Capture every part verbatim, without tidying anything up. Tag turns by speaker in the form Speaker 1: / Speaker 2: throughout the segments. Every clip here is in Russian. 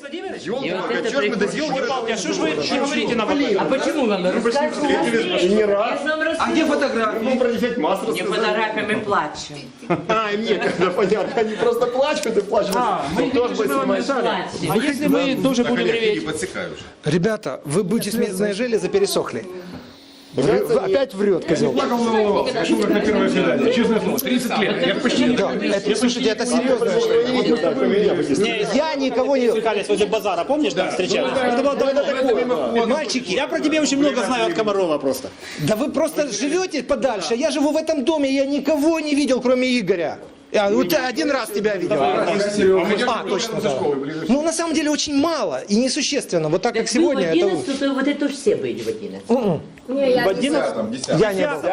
Speaker 1: Владимирович?
Speaker 2: Ёлки-палки, чё ж мы до сих пор...
Speaker 1: А что ж вы не говорите нам об этом?
Speaker 3: А почему нам рассказывать?
Speaker 2: Не раз.
Speaker 3: А где фотографии?
Speaker 2: Мы про дефект масла
Speaker 4: Не
Speaker 2: сказали.
Speaker 4: фотографиями плачем.
Speaker 2: А, и мне когда понятно. Они просто плачут и плачут.
Speaker 1: Мы
Speaker 2: тоже бы снимать.
Speaker 1: А если мы тоже будем реветь?
Speaker 5: Ребята, вы будете смертные железы пересохли. Вы- вы опять врет, козел.
Speaker 6: Плакал на волос. Я шел как на первое свидание. Честное слово, тридцать лет. Я почти не
Speaker 5: Да, это, слушайте, это серьезно. Я никого не...
Speaker 1: Кались возле базара, помнишь, там встречались? Это было довольно такое.
Speaker 5: Мальчики,
Speaker 1: Я про тебя очень много знаю от Комарова просто.
Speaker 5: да вы просто живете подальше. Я живу в этом доме, я никого не видел, кроме Игоря. А, вот один раз тебя видел. А, точно, да. Ну, на самом деле, очень мало и несущественно. Вот так, как сегодня,
Speaker 4: в
Speaker 5: это...
Speaker 4: одиннадцать, то вот это все были в одиннадцать.
Speaker 5: В одиннадцатом? Я не был.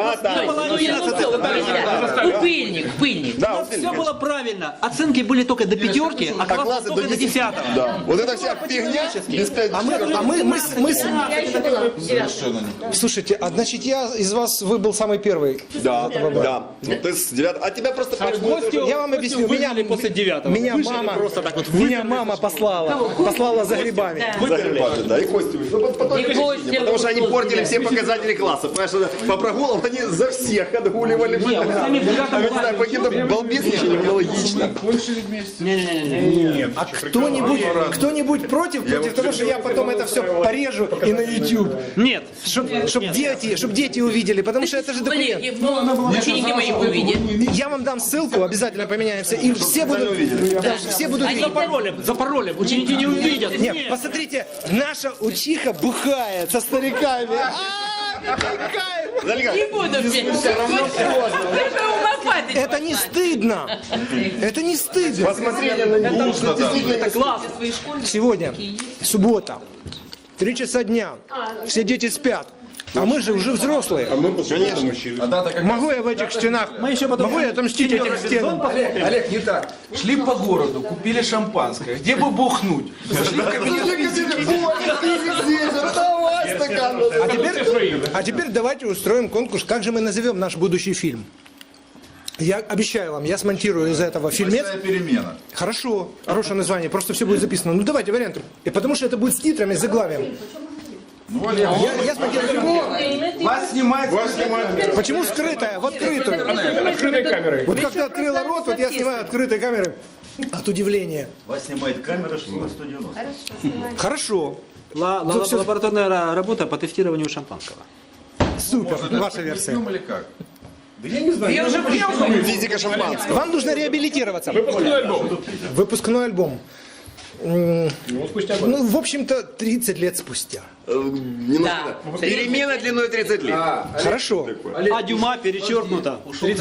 Speaker 4: Пыльник, пыльник.
Speaker 2: Да,
Speaker 1: Все было правильно. Оценки были только до пятерки, а класс
Speaker 2: классы
Speaker 1: только
Speaker 2: до
Speaker 1: до
Speaker 2: десяти.
Speaker 1: десятого.
Speaker 2: Да. Вот это вся фигня без пяти.
Speaker 5: А мы, а мы, мы, с- мы, с-
Speaker 4: Я еще была в девятом.
Speaker 5: слушайте, а значит, я из вас выбыл самый первый.
Speaker 2: Да, да. Ну, ты с девятого. А тебя просто...
Speaker 5: Я вам объясню, меня,
Speaker 1: после девятого.
Speaker 5: меня мама, меня мама послала, послала за грибами.
Speaker 2: Загребали, да, и Костю. Ну, по- по той
Speaker 4: И
Speaker 2: причине,
Speaker 4: Костя
Speaker 2: потому что они
Speaker 4: был
Speaker 2: портили
Speaker 4: тоже.
Speaker 2: все показатели класса. Понимаешь, по прогулам они за всех отгуливали. А мы не знаю, по каким-то балбесничаниям аналогично.
Speaker 5: А кто-нибудь, кто-нибудь против, против того, что я потом это все порежу и на YouTube?
Speaker 1: Нет.
Speaker 5: Чтобы дети, чтоб дети увидели, потому что это же документ.
Speaker 4: Коллеги, ну, ученики мои увидят.
Speaker 5: Я вам дам ссылку, обязательно поменяемся, и все будут, да, все будут
Speaker 4: Они
Speaker 5: видеть.
Speaker 1: За паролем, за паролем. Ученики не увидят.
Speaker 5: Нет, посмотрите, наша учиха бухает со стариками. А, какая-
Speaker 4: Не буду все равно
Speaker 5: Это не стыдно. Это не стыдно.
Speaker 2: Посмотрели на них.
Speaker 1: Это класс.
Speaker 5: Сегодня суббота, три часа дня, все дети спят, а мы же уже взрослые. Могу я в этих стенах, могу я отомстить этим стенам?
Speaker 6: Олег, не так. Шли по городу, купили шампанское. Где бы бухнуть? Зашли в кабинет.
Speaker 2: Давай стакан.
Speaker 5: А теперь, а теперь давайте устроим конкурс, как же мы назовем наш будущий фильм. Я обещаю вам, я смонтирую из этого фильмец.
Speaker 7: Перемена.
Speaker 5: Хорошо, хорошее название, просто все будет записано. Ну давайте варианты. И потому что это будет с титрами, с заглавием.
Speaker 7: Ну, Олег,
Speaker 5: Я, я смонтирую.
Speaker 6: Вас снимают. Вас снимают.
Speaker 5: Почему скрытая? В открытую.
Speaker 6: Открытой камерой.
Speaker 5: Вот как ты открыла рот, вот я снимаю открытой камерой. От удивления.
Speaker 7: вас снимает камера сто девяносто.
Speaker 5: Хорошо.
Speaker 1: Ла- ла- Лабораторная ра- работа по тестированию шампанского.
Speaker 5: Супер, ваша версия.
Speaker 7: Или как?
Speaker 6: Я уже приехал.
Speaker 2: Физика шампанского.
Speaker 5: Вам нужно реабилитироваться.
Speaker 6: Выпускной альбом.
Speaker 5: Выпускной альбом. М, Ну, в общем-то, тридцать лет спустя.
Speaker 2: Не
Speaker 4: Да.
Speaker 2: нужно. Перемена длиной тридцать лет.
Speaker 5: Хорошо.
Speaker 1: А Дюма перечеркнуто.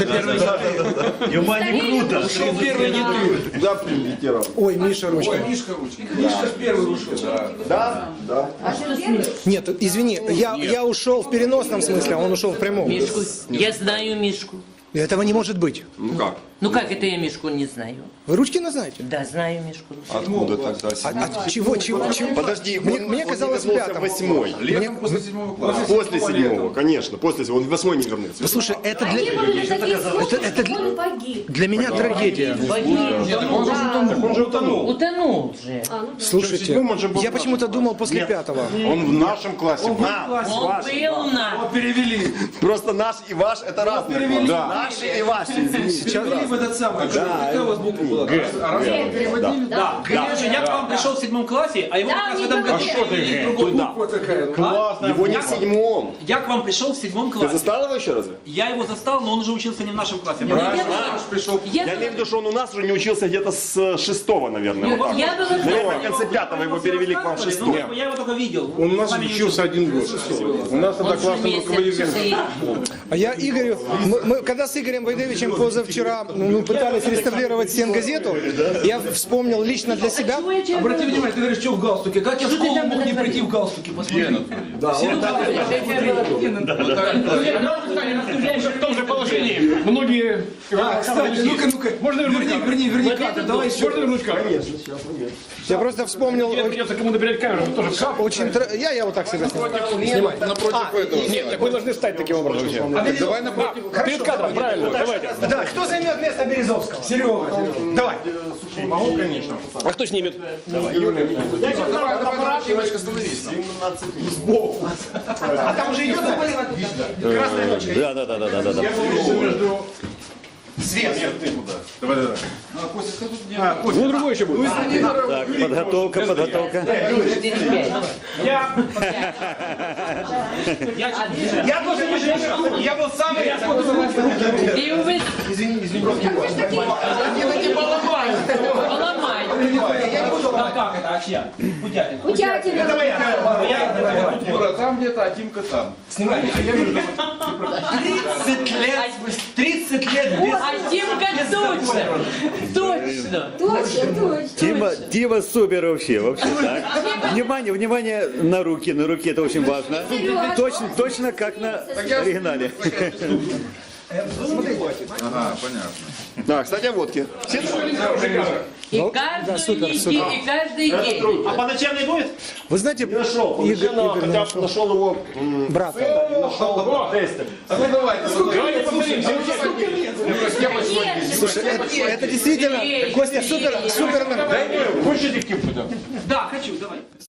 Speaker 7: Дюма не круто.
Speaker 1: Ушел первый не ты.
Speaker 2: Куда прилетел?
Speaker 5: Ой, Миша ручка.
Speaker 6: Мишка ручки. Мишка с первый ушел.
Speaker 2: Да? Да.
Speaker 5: Нет, извини, я, я ушел в переносном смысле, а он ушел в прямом.
Speaker 4: Мишку. Я знаю Мишку.
Speaker 5: Этого не может быть.
Speaker 2: Ну как?
Speaker 4: Ну как это я Мишку не знаю?
Speaker 5: Вы Ручкина знаете?
Speaker 4: Да, знаю Мишку.
Speaker 2: Откуда тогда?
Speaker 5: А, от чего, чего, чего?
Speaker 2: Подожди,
Speaker 5: Мне,
Speaker 2: он-
Speaker 5: мне
Speaker 2: он
Speaker 5: казалось, в
Speaker 2: не вернулся
Speaker 5: пятом.
Speaker 2: в восьмой.
Speaker 6: Летом после седьмого класса.
Speaker 2: После седьмого, конечно. После седьмого. Он в восьмой не вернулся.
Speaker 5: Слушай, это
Speaker 8: Они
Speaker 5: для,
Speaker 8: были такие
Speaker 5: это, это для,
Speaker 8: он погиб.
Speaker 5: для меня трагедия.
Speaker 2: Он же утонул.
Speaker 4: Утонул же.
Speaker 5: Слушайте,
Speaker 2: седьмом он же был
Speaker 5: я почему-то думал после пятого.
Speaker 2: Он в нашем классе.
Speaker 4: Он был на...
Speaker 6: Перевели.
Speaker 2: Просто наш и ваш это разные классы. Да. Наши и ваши. извините.
Speaker 6: Перевели в этот самый. Какая у вас буква была? А раз вы переводили?
Speaker 1: Да. Короче, я к вам пришел в седьмом классе, а его
Speaker 8: Да,
Speaker 1: как раз в
Speaker 8: не
Speaker 1: этом году
Speaker 8: говори.
Speaker 1: перевели в другой.
Speaker 6: Буква такая.
Speaker 1: Классно.
Speaker 2: Его не в седьмом.
Speaker 1: Я к вам пришел в седьмом
Speaker 2: Ты
Speaker 1: классе.
Speaker 2: застал его еще разве?
Speaker 1: Я его застал, но он уже учился не в нашем классе.
Speaker 2: Пришел.
Speaker 4: Я,
Speaker 2: Я имею в виду, что он у нас уже не учился где-то с э, шестого, наверное. вот так.
Speaker 4: я была...
Speaker 2: Наверное, в конце пятого его перевели к вам в шестой.
Speaker 1: Ну, я его только видел.
Speaker 6: Он у нас
Speaker 1: Сами не
Speaker 6: учился один год. У нас тогда
Speaker 4: Он же
Speaker 6: классным
Speaker 4: месяц
Speaker 6: руководителем.
Speaker 5: А я Игорю, мы, мы когда с Игорем Войдовичем позавчера ну, пытались реставрировать стенгазету, я вспомнил лично для себя.
Speaker 6: Обрати внимание, ты говоришь, что в галстуке. Как я в школу мог не прийти в галстуке? Посмотри.
Speaker 1: Да,
Speaker 6: Все
Speaker 1: вот так.
Speaker 6: в том же положении. Многие... А, кстати, ну-ка, ну-ка. Можно верни, верни, верни кадр. Давай еще. Можно вернуть камеру? Конечно, сейчас,
Speaker 5: Я просто вспомнил.
Speaker 6: Мне придется кому-то передать камеру, чтобы тоже в
Speaker 5: Очень тр- я, я вот так себя снимаю. Снимай.
Speaker 6: Напротив этого. Нет, так вы должны стать таким образом. Давай напротив.
Speaker 5: Перед кадром, правильно, давайте. Да, кто займет место место Березовского. Серега. Давай.
Speaker 6: Могу, конечно.
Speaker 1: А кто снимет?
Speaker 6: Давай, давай, девочка, остановись.
Speaker 5: А там уже идет красная точка.
Speaker 7: Да, да, да, да, да, да.
Speaker 6: Я между...
Speaker 5: Свет.
Speaker 6: Давай, давай.
Speaker 1: Ну, другой еще будет.
Speaker 7: Так, подготовка, подготовка.
Speaker 5: Я... Я тоже не женщина. Я был самый...
Speaker 4: И вы...
Speaker 5: Извини, извини.
Speaker 4: Поломай.
Speaker 3: А как это? А чья? Путятина.
Speaker 8: Путятина.
Speaker 5: Это моя.
Speaker 6: Юра, там где-то, а Тимка там.
Speaker 5: Снимай.
Speaker 3: тридцать лет. тридцать лет без...
Speaker 4: А Тимка точно. Точно.
Speaker 8: Точно, точно.
Speaker 7: Тима, Тима супер вообще, вообще, так. Внимание, внимание на руки, на руки, это очень важно. Точно, точно как на оригинале.
Speaker 6: Ага, понятно.
Speaker 2: Да, кстати, о водке.
Speaker 4: И каждую неделю, и каждый день.
Speaker 1: А по ночам не будет?
Speaker 5: Вы знаете,
Speaker 2: Нашел,
Speaker 5: Игорь, Игорь
Speaker 2: хотя бы нашел его м,
Speaker 5: брата.
Speaker 6: А ну давайте, давайте повторим.
Speaker 5: Слушай, это, это действительно, Костя, супер, супер.
Speaker 6: Хочешь этих кипу?
Speaker 3: Да, хочу, давай.